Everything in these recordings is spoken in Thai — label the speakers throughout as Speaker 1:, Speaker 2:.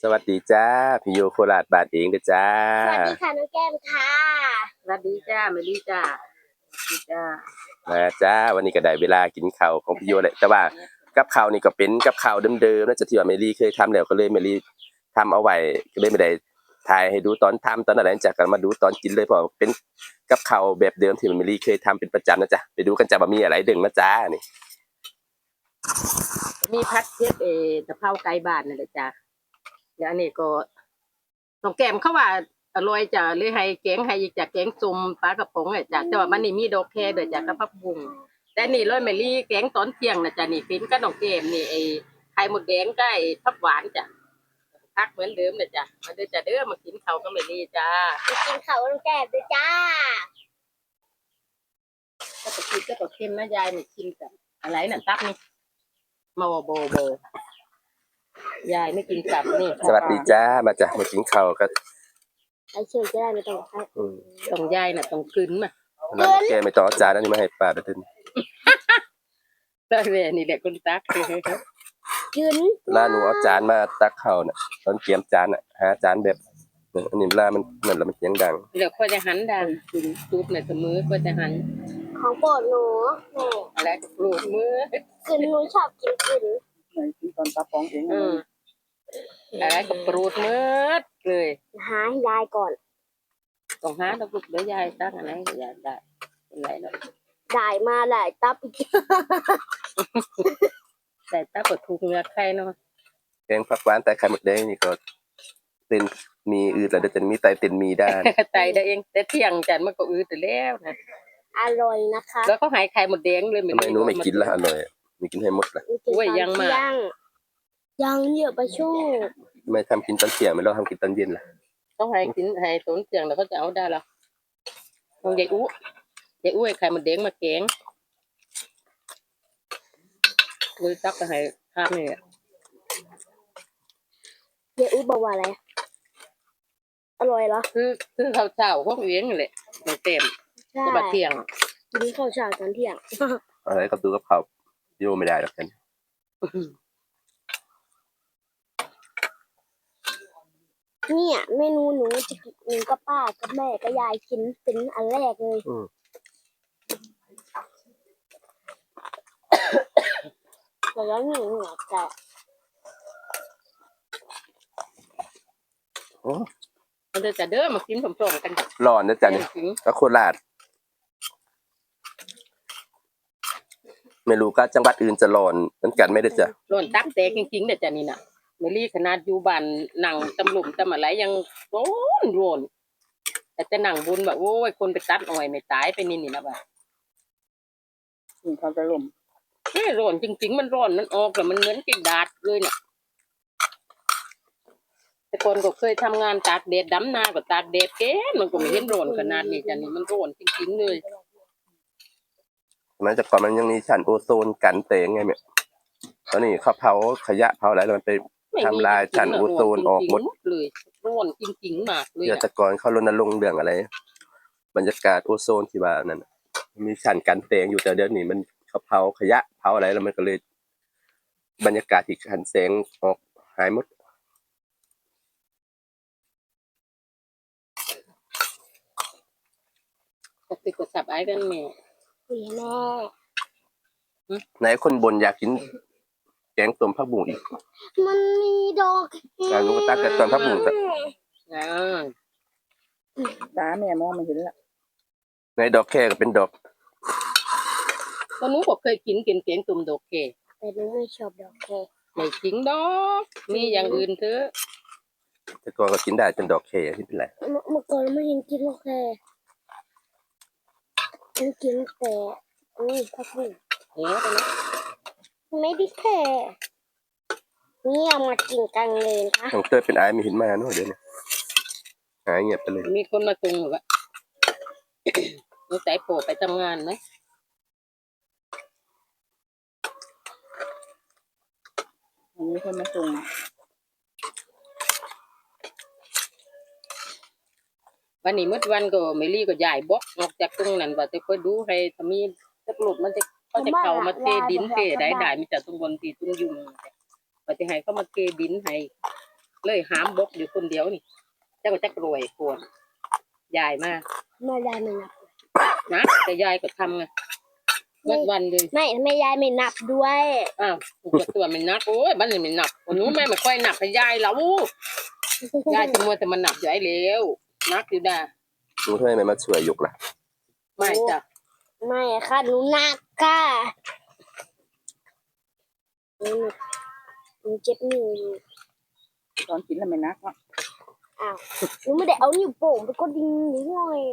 Speaker 1: สวัสดีจ้าพี่โยโคราชบาทเองเด้อจ้า
Speaker 2: สวัสดีค่ะน้องแก้มค่ะ
Speaker 3: สวัสดีจ้าเมลี่จ้าดีจ้า
Speaker 1: มาจ้าวันนี้ก็ได้เวลากินข้าวของพี่โยแหละแต่ว่ากับข้าวนี่ก็เป็นกับข้าวเดิมๆนะจะที่ว่าเมลี่เคยทำแล้วก็เลยเมลี่ทำเอาไว้ก็เลยไม่ได้ถ่ายให้ดูตอนทำตอนอะไรจากกันมาดูตอนกินเลยเพราะเป็นกับข้าวแบบเดิมที่เมลี่เคยทำเป็นประจำนะจ๊ะไปดูกันจ้าว่ามีอะไรดึงนะจ้านี่
Speaker 3: มีพัดเทียบตะเภาไก่บ้านนั่นแหละจ้าเดี๋ยวอันนี้ก็น้องแก้มเขาว่าอร่อยจ้าเลยให้แกงให้อีกจากแกงจุ่มปลากระป๋องอ่ะจ้าแต่ว่ามันนี่มีดอกแคด้วยจ้ากับผักบุ้งแต่นี่ร้อยเมลี่แกงตอนเที่ยงนะจ้านี่ฟินกับน้องแก้มนี่ไข่หมดแดงกับผักหวานจ้าพักเหมือนเดิมเลยจ้ามาเด้อจ้าเด้อมากินข้าวกับเมลี่จ้า
Speaker 2: มากินข้าวน้องแก้มด้วยจ้า
Speaker 3: ก็ตะกี้ก็ตะเค็มนะยายนี่กินกับอะไรน่ะตับนี่มาโบยายไม่กินกลับนี่
Speaker 1: สวัสดีจ้ามาจ้ะมากินข้าวกัน
Speaker 2: ไอเชื่อจะได้ไม่ต้องใช้
Speaker 3: ต้องยายน่ะต้องกลืนมา
Speaker 1: แล้วแกไม่ต้องเอาจานนั้นนี่มาให้ป้าเด้อ
Speaker 3: ได้แม่นี่แหละคนตัก
Speaker 2: ยืน
Speaker 1: ร้านหนูเอาจานมาตักข้าวน่ะตอนเตรียมจานน่ะหาจานแบบอันนี้เวลามันนั่นแล้วมันเสียงดัง
Speaker 3: เดี๋ยวค่อยจะหันดังกินซุปในเสมอค่อยจะหัน
Speaker 2: ของโปรดหนูแม่
Speaker 3: อะไรก็ปลูกมือ
Speaker 2: กินหนูชอบกินกิน
Speaker 3: กินตอนตาปองเองอะไรก็ปลูกมือเลย
Speaker 2: หาให้ยายก่อน
Speaker 3: ต้องหาต้องปลูกเดี๋ยวยายตั้งอะไรยายได้เป็นไรเนาะ
Speaker 2: ได้มาหลายตับอีก
Speaker 3: แต่ตาปวดทุกเนื้อไข่เนาะ
Speaker 1: แกงผักหวานแต่ไข่หมดแดงนี่ก็เป็นมีอืดแล้วเดี๋ยวจะมีไตเป็นมีได้
Speaker 3: ไตได้เองแต่เที่ยงจันมันก็อืดแต่แล้วนะ
Speaker 2: อร่อยนะคะ
Speaker 3: แล้วก็หายไข่หมดแดงเลย
Speaker 1: ทำไมหนูไม่กินละอร่อยไม่กินให้หมดละ
Speaker 3: โอ้ยยังมา
Speaker 2: ยังเยอะไปช่วง
Speaker 1: ไม่ทำกินตอนเที่ยงไม่ต้องทำกินตอนเย็นล่ะ
Speaker 3: ต้องให้กินให้ตอนเที่ยงแล้วก็จะเอาได้ละต้องยายอู้ไข่หมดแดงมาแกงเลยตักไปให้ภาพนี่
Speaker 2: ยายอู้บอกว่าอะไรอร่อยเหรอ
Speaker 3: คือข้าวเช้าของเลี้ยงเลยมันเต็มก็บะเที่ยง
Speaker 2: กินข้าวเช้าตอนเที่ยง
Speaker 1: อะไรก็ตู้กับข้าวโยไม่ได้หรอกกัน
Speaker 2: เนี่ยเมนูหนูจะหนูกับป้ากับแม่กับยายกินเป็นอันแรกเลยแล้วหนูจะ
Speaker 3: มันจะเด้อมากินผสมกัน
Speaker 1: ร้อนนะจ๊ะนี่ก็โคราชไม่รู้ก็จังหวัดอื่นจะร้อนเหมือนกันไม่ได้จ้ะ
Speaker 3: ร้อนตับแตกจริงๆเด้อจ้ะนี่น่ะเมลี่ขนาดอยู่บ้านนั่งตำลุมตำอะไรยังร้อนแต่จะนั่งบุญแบบโอ้ยคนไปตัดอ้อยไม่ตายไปนี่นะบ่าเขาจะลมร้อนจริงๆมันร้อนมันออกแต่มันเหมือนกินดาดเลยเนี่ยแต่คนก็เคยทำงานตากแดดดำนาก็ตากแดดแก่มันก็ไม่เห็นร้อนขนาดนี้จ้ะนี่มันร้อนจริงๆเลย
Speaker 1: มันจากก่อนมันยังมีชั้นโอโซนกันแสงไงเนี่ยตอนนี้เขาเผาขยะเผาอะไรแล้วมันไปทำลายชั้นโอโซนออกหมด
Speaker 3: เลยร้อนจริงๆมากเลย
Speaker 1: เดี๋ยวแต่ก่อนเขารณรงค์เรื่องอะไรบรรยากาศโอโซนที่ว่านั่นมีชั้นกันแสงอยู่แต่เดี๋ยวนี้มันเขาเผาขยะเผาอะไรแล้วมันก็เลยบรรยากาศที่กันแสงออกหายหมด
Speaker 3: ติดกดสับไอ้กันแม่
Speaker 2: แม่
Speaker 1: ไหนคนบนอยากกินแกงต้มผักบุ้งอีก
Speaker 2: มันมีดอก
Speaker 1: ลูกตาแต่ต้มผักบุ้งแต่
Speaker 3: ตาแม่มองไม่เห็นละ
Speaker 1: ในดอกแค่ก็เป็นดอก
Speaker 3: ก็หนูบอกเคยกินแกงตุ่มดอกแค่
Speaker 2: แต่หนูไม่ชอบดอกแค่
Speaker 3: ไม่จริงดอกมีอย่างอื่นเถอะ
Speaker 1: แต่ก่อนก็กินได้จนดอกแค่ที่เป็นไร
Speaker 2: เมื่อก่อนไม่เห็นกินดอกแค่กินแต่ผักบุ้ง
Speaker 3: เฮ้ยไปนะ
Speaker 2: ไม่ได้แค่นี่เอามากินกันเลยนะ
Speaker 1: ของเต้ยเป็นไอ้ไม่เห็นมาเนาะเดี๋ยวนี้หายเงียบไปเลย
Speaker 3: มีคนมาตรงหรือวะมีสายโผล่ไปทำงานไหมมีคนมาตรงวันนี้เมื่อวันก็ไม่รีก็ใหญ่บล็อกออกจากตรงนั้นว่าจะค่อยดูให้ถ้ามีสักหลุดมันจะเขาจะเข้ามาเทดินเทได้มีแต่ตรงบนตีตรงยุงว่าจะให้เขามาเทดินให้เลยหามบกอยู่คนเดียวนี่เจ้าก็จักรวยโกนยายมาก
Speaker 2: แม่ยายไม่นับ
Speaker 3: นะแต่ยายก็ทำไงวันเลย
Speaker 2: ไม่ทำไมยายไม่นับด้วย
Speaker 3: อ้าวตัวมันนักโอ้ยบ้านนี่มันนับวันนู้นแม่ไม่ค่อยนับให้ยายแล้วยายจะมัวแต่มันนับยายเร็วนักอยู่ด่า
Speaker 1: หนูทำไมไม่มาช่วยยกล่ะ
Speaker 3: ไม่จ้ะ
Speaker 2: ไม่ค่ะหนูนักค่ะหนูเจ็บนิ้วอยู่
Speaker 4: ตอนกินแล้วไม่นักเนาะ
Speaker 2: อ้าวหนูไม่ได้เอานิ้วโป่งไปกดดิ้งนิดหน่อย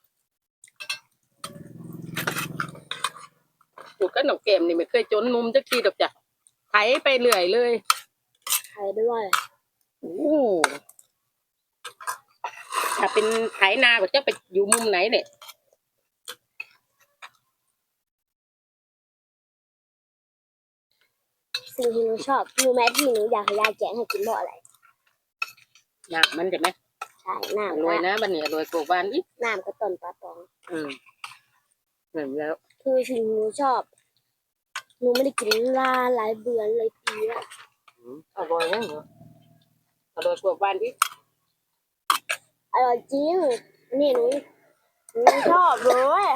Speaker 3: ถูกกับหนองเกมนี่ไม่เคยจนมุมจักทีดอกจ้ะไถไปเรื่อยเลย
Speaker 2: ใครด้วย
Speaker 3: โอ้ถ้าเป็นไถนาก็จะไปอยู่มุมไหนเนี่ย
Speaker 2: สิ่งที่หนูชอบรู้ไหมที่หนูอยากให้ยายแกงให้กินเพราะอะไร
Speaker 3: น้ำมันใช่ไหม
Speaker 2: ใช่
Speaker 3: อ
Speaker 2: น้ำ
Speaker 3: ร่อย
Speaker 2: ค่ะ
Speaker 3: นะบ้านนี้อร่อยกว่าบ้านอีก
Speaker 2: น้ำกระต้นปลาปอง
Speaker 3: เหมือนแล้ว
Speaker 2: คือสิ่งที่หนูชอบหนูไม่ได้กินลาหลายเดือนเลยปีละ
Speaker 3: อร่อยนะเหรออร่อยกว่าบ้านอีก
Speaker 2: อร่อยจริงนี่หนูชอบเลย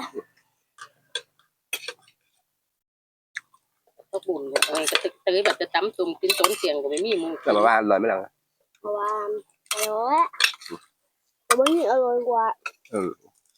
Speaker 3: ก็บุญเนี่ยก็ตึกตื้อแบบจะตั้มตุ่มกินต้นเสียงก็ไม่มีมือ
Speaker 1: แต่มาว่าอร่อยไหมล่ะ
Speaker 2: เพราะว่าอร่อยแต่ว่านี่อร่อยกว่า
Speaker 1: เออ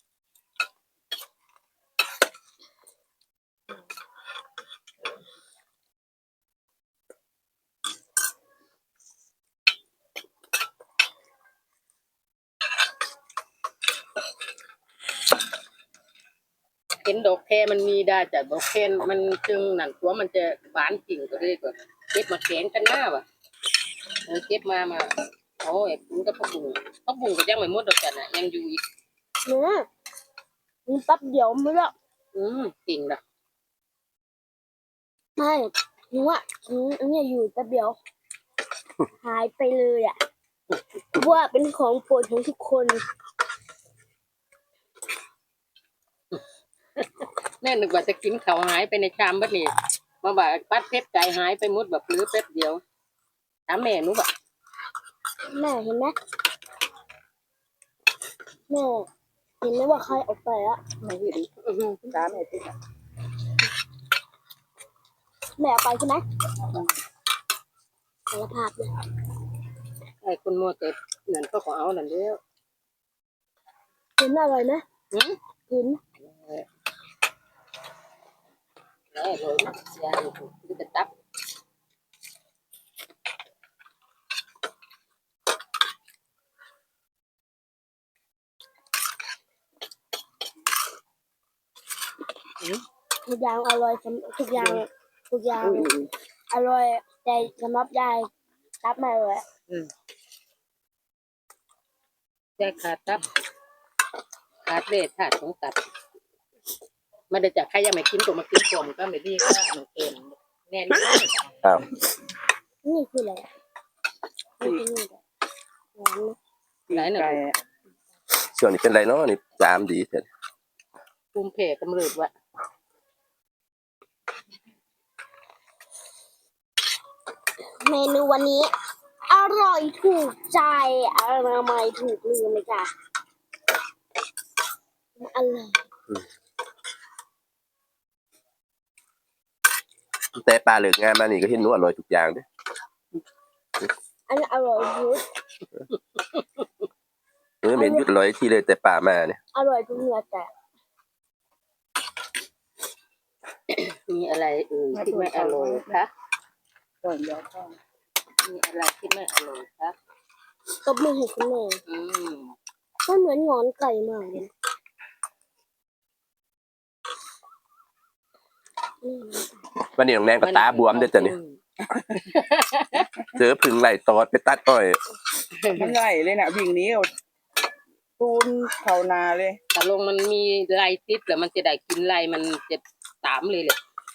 Speaker 3: เห็นดอกแคมันมีได้แต่ดอกแคมันจึงนั่นตัวมันจะหวานจริงก็เลยก็เก็บมาแข็งกันหน้าว่ะเก็บมาโอ้ยคุณก็พักบุ้งก็ยังไม่หมดดอกจ้ะน่ะยังอยู่อีก
Speaker 2: เนื้อมันแป๊บเดียวไม่ละ
Speaker 3: จริงละ
Speaker 2: ไม่หนูอ่ะอันนี้อยู่แป๊บเดียว หายไปเลยอ่ะว่าเป็นของโปรดของทุกคน
Speaker 3: แม่นึกว่าจะกินเขาวหายไปในชามบัดนี้มาบ่าปัดเพชรไก่หายไปหมดแบบหรือแป๊บเดียวถามแม่หนูบ่ะ
Speaker 2: แม่เห็นไหมแม่เห็นไหมว่าใครออกไปอ่ะ
Speaker 4: ไม่เห็นตาแม่ติดอะ
Speaker 2: แม่เอาไปใช่ไหมสารภาพเลย
Speaker 3: ไอ้คนมัวแต่นั่นก็ขอเอานั่นเดียว
Speaker 2: เห็นอร่อยไหม
Speaker 3: หืม
Speaker 2: เห็น
Speaker 3: แม่เลยนะยายดูจะตับ
Speaker 2: ทุกอย่างอร่อยทุกอย่างอร่อยแต่สำหรับยายรับไม่เลย
Speaker 3: ยายขาดตับขาดเลือดขาดของตับมันได้จากใครยังไม่กินก็มากินผมก็ไม่ดีก็หนูเองแน่นอน
Speaker 1: อ้าว
Speaker 2: นี่คืออะไรนี่คือนี่หวานนะ
Speaker 3: ไหนหนู
Speaker 4: ไก่อะ
Speaker 1: ช่วงนี้เป็นไรเนาะนี่จามดีเถอะ
Speaker 3: ภูมิแพ้กำเริบว่ะ
Speaker 2: เมนูวันนี้ อร่อยถูกใจอนามัยถูกลืมเลยจ้ะอร่อย
Speaker 1: แต่ปลาเหลือกงานมานี่ก็เห็นหนูอร่อยทุกอย่างเด้อ
Speaker 2: อันนี้อร่อยทุก
Speaker 1: หนูไม่เห็นหยุดอร่อยที่เลยแต่ปลามาเนี่ย
Speaker 2: อร่อยทุกเนื้อแต่
Speaker 3: มีอะไรที่ไม่อร่อยคะ
Speaker 4: ก่อนเดี๋ยวก็
Speaker 3: มีอะไรที่ไม่อร่อยคะ
Speaker 2: ตบมือให้คุณแม่
Speaker 3: ม
Speaker 2: มันเหมือนงอนไก่มากเลยนะอืม
Speaker 1: วันนี้น้องแนนก็ตาบวมเด้อจ้ะเนี่ยเจอผึ่งไหลตอดไปตัดอ้อย
Speaker 4: มันไหลเลยน่ะวิ่งหนี้เอาตูนเข้านาเลย
Speaker 3: ถ้าลงมันมีลายติดแล้วมันจะได้กินลายมันจะตามเลยแหละ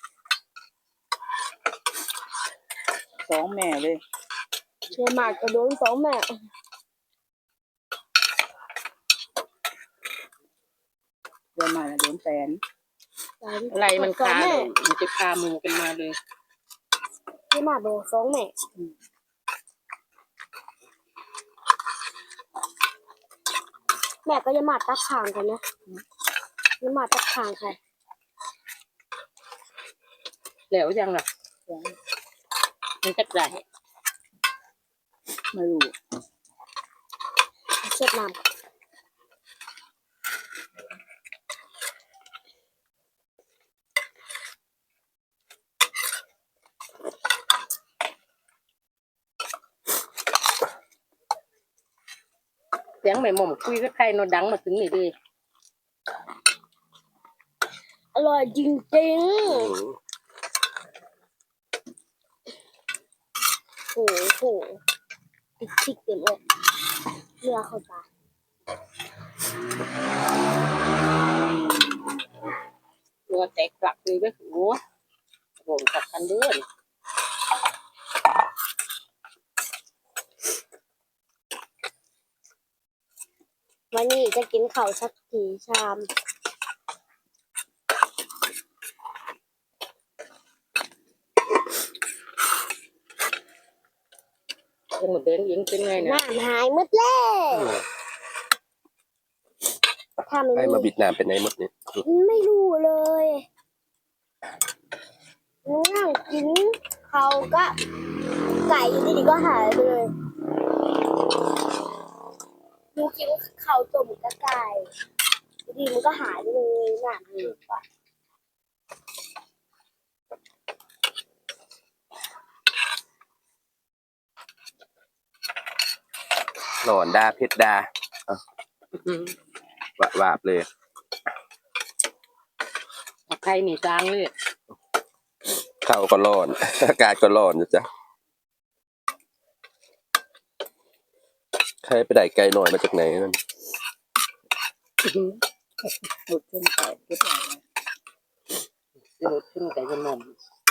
Speaker 4: สองแม่เลย
Speaker 2: เชื่อมากกระโดนสองแม่
Speaker 4: เดินมาน่ะโดนแฟน
Speaker 3: ลายมันคา
Speaker 2: แม่
Speaker 3: เลยมันจะคามือกันมาเลย
Speaker 2: เชื่อมากโดนสองแม่แม่ก็จะมาตักข่างกันนะจะมาตักข่างใคร
Speaker 3: แล้วยังอ่ะมันจะได้
Speaker 4: ไม่รู้
Speaker 2: เช็ดน้ำ
Speaker 3: เสียงแม่หม่อมคุยกับใครโนดังมาถึงนี่ดิ
Speaker 2: อร่อยจริง ๆโอ้โหติ๊กเต็มเลยเนื้อเข้าตา
Speaker 3: ตัวแตกกลักเลยเว้ยโอ้โหกับกันเด้อ
Speaker 2: วันนี้จะกินข้าวสักกี่ชาม
Speaker 3: ยังหมดแดงยิงเป็นไงนะ
Speaker 2: น้ำหายหมดแล้วถ้าไม่
Speaker 1: ให้มา
Speaker 2: มี
Speaker 1: บิดน้ำเป็นไงหมดเนี่ย
Speaker 2: ไม่รู้เลยนั่งกินเขาวก็ไก่อยู่ดีๆก็หายไปเลยหนูกินข้าวต้มกับไก่อยู่ดีมันก็หายไปเลยน่ะคือปะ
Speaker 1: หลอนดาเพชรดาหวาบเลย
Speaker 3: ใครหนีจางเลย
Speaker 1: ข้าวก็ร้อน อากาศก็ร้อนนะจ๊ะใครไปได้ไกลหน่อยมาจากไหนนั่น
Speaker 4: หลุดขึ้นไปก็ได้
Speaker 3: โดดขึ้นไก่จะหม่อม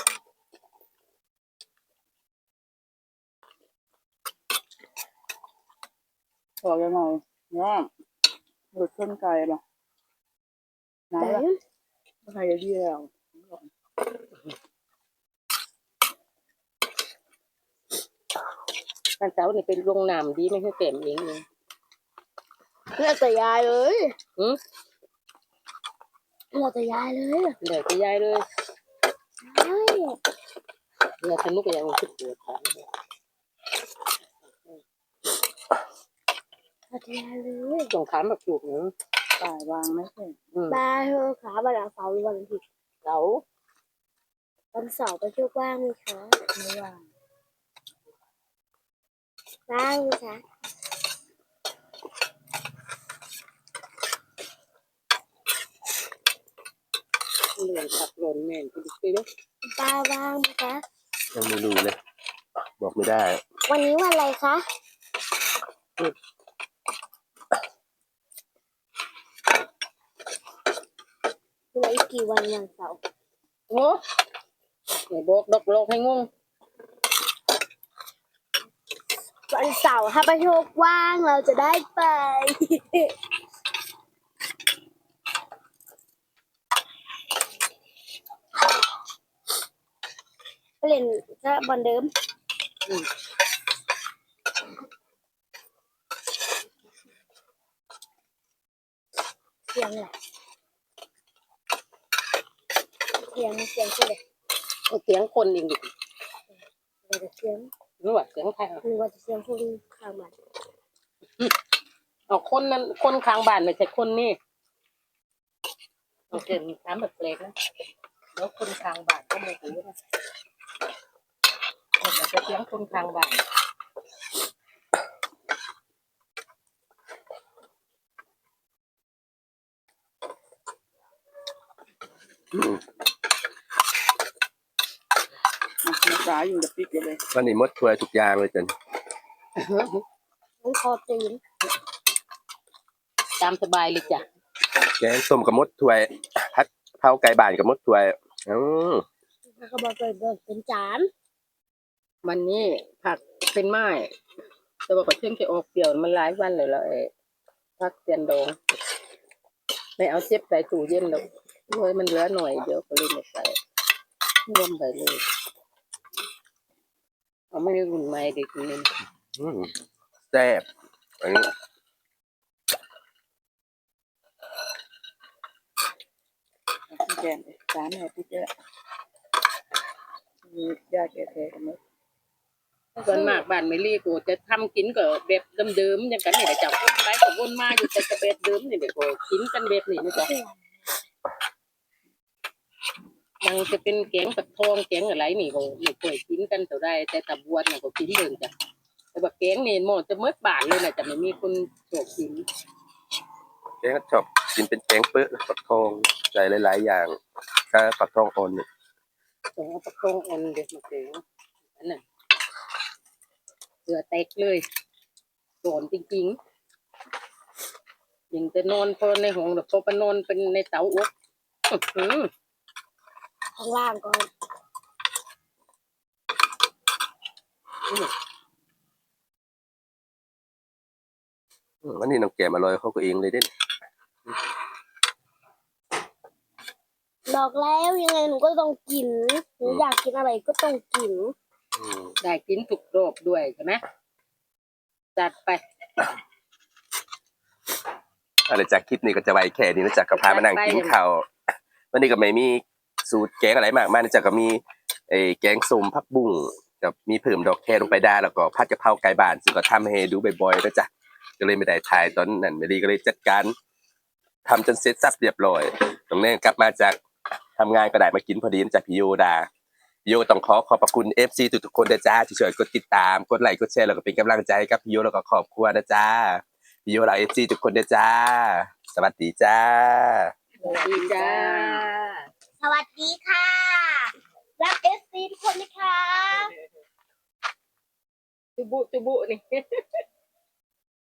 Speaker 4: พอกันหน่อยว่าหลุดขึ้นไกลป่ะน้ำละใครจะดีแล้ว
Speaker 3: ท่านเจ้านี่เป็นโรงน้ำดีไม่ใช่เต็มเองเลย
Speaker 2: เลือกแต่ยายเลย
Speaker 3: อืม
Speaker 2: เลือกแต่ยายเลย
Speaker 3: เดี๋ยวจะย้ายเลย
Speaker 2: ใช่
Speaker 3: เดี๋ยวสนุกอย่างคิดปวดขา
Speaker 2: เลือกแต่ยายเลย
Speaker 3: ส่งขามแบบจุกเนาะ
Speaker 4: ป่ายวางไม่ใช่
Speaker 2: บายเธอขาวันเสาร์หรือวันอาทิตย์
Speaker 3: เสา
Speaker 2: วันเสาร์ไปเที่ยวบ้างไหมคะ
Speaker 4: ไม่ว่าง
Speaker 2: บ้างไหมคะ
Speaker 3: เหลืองขับหล่นแม่นไปดูไปเลย
Speaker 2: บ้าบ้างไหมคะ
Speaker 1: ยังไม่รู้เลย บอกไม่ได้
Speaker 2: วันนี้วันอะไรคะเหลืออีกกี่วันวันเสาร์
Speaker 3: โอ้ไหนบอกดอกโลกให้งง
Speaker 2: วันเสาร์ถ้าประโชคว่างเราจะได้ไป ไปเล่นก็บอลเดิมเสียงอะไรเสียงคืออะไร
Speaker 3: เสียงคนเองดิ
Speaker 2: เสียง
Speaker 3: รู้ว่าเสียงใคร
Speaker 2: หรือว่าจะเสียงคนข้างบ้าน
Speaker 3: เอาคนนั้นคนข้างบ้านไม่ใช่คนนี่โอเคมีถามแบบเล็กนะแล้วคนข้างบ้านก็ไม่รู้นะแต่จะเสียงคนข้างบ้าน
Speaker 4: นักษาอยู่กับปิ๊กอยู่เลย
Speaker 1: วันนี้หมดถ้วยทุกอย่างเลยจัน
Speaker 2: มันคอตีน
Speaker 3: ตามสบายเลยจ้ะ
Speaker 1: แกงส้มกับมดถ้วยพัดเผาไก่บ้านกับมดถ้วยอืม
Speaker 2: แล้วก็บอกเป็นจาน
Speaker 3: วันนี้ผักเป็นไม้แต่ว่าก็เชื่อมจะออกเปรี้ยวมันหลายวันเลยแล้วผักเตียนดองไม่เอาเจ็บใส่ตู้เย็นหรอกเลยมันเหลือหน่อยเดี๋ยวก็เลยไม่ใส่รวมไปเลยเอาไม่ได้รุ่นใหม่เด็กนี่
Speaker 1: อืมแซ่บอันนี้
Speaker 4: แกงสามแม่พี่เจ้ามีญาติแก่ๆกันไหม
Speaker 3: ส่วนมากบ้านเมลี่กูจะทำกินก็แบบเดิมๆอย่างกันนี่แหละจ้ะวนไปก็วนมาอยู่แต่กระเบ็ดเดิมนี่แหละก็กินกันแบบนี้นะจ๊ะยังจะเป็นแกงปักทองแกงอะไรนี่ก็ไม่ค่อยกินกันเท่าใดแต่ตะบวนน่ะก็กินเบิ่งจ้ะแต่ว่าแกงนี่หมดจะเมื่อบานเลยนะจะไม่มีคนชอบกิน
Speaker 1: แกงก็ชอบกินเป็นแกงเปื้อะปักทองใส่หลายๆอย่างก็ปักทองอ่อนเนี่ย
Speaker 3: ต้องเอาปักทองอ่อนเด็ดมาแกงอันนั้นเสือแตกเลยโดนจริงๆยังจะนอนพอในห้องหรือพอไปนอนเป็นในเตาอบอื้อหือ
Speaker 2: ข้างล่างก่อน
Speaker 1: วันนี้น้องแกมอร่อยเขาก็เองเลยเด้น
Speaker 2: บอกแล้วยังไงหนูก็ต้องกินหนูอยากกินอะไรก็ต้องกิน
Speaker 3: ได้กินถูกรอบด้วยใช่ไหมจัดไป
Speaker 1: อะไรจากคลิปนี้ก็จะไว้แค่นี้นะจ๊ะก็พามานั่งกินข้าววันนี้ก็ไม่มีสูตรแกงอะไรมากมายนะจ๊ะก็มีแกงส้มผักบุ้งกับมีเพิ่มดอกแคลงไปได้แล้วก็ผัดกะเพราไก่บ้านซึ่งก็ทำให้ดูบ่อยๆนะจ๊ะก็เลยไม่ได้ถ่ายตอนนั้นไม่ดีก็เลยจัดการทำจนเสร็จสับเรียบร้อยตรงนี้กลับมาจากทำงานก็ได้มากินพอดีนะจ๊ะพี่โยดาพี่โยต้องขอบพระคุณ FC ทุกๆคนนะจ๊ะที่ช่วยกดติดตามกดไลค์กดแชร์แล้วก็เป็นกำลังใจให้กับพี่โยแล้วก็ครอบครัวนะจ๊ะพี่โยเรา FC ทุกคนนะจ๊ะสวัสดีจ้า
Speaker 3: สวัสดีจ้า
Speaker 2: สวัสดีค่ะรักเอฟซีทุกคนนะคะ
Speaker 3: จุบุนี่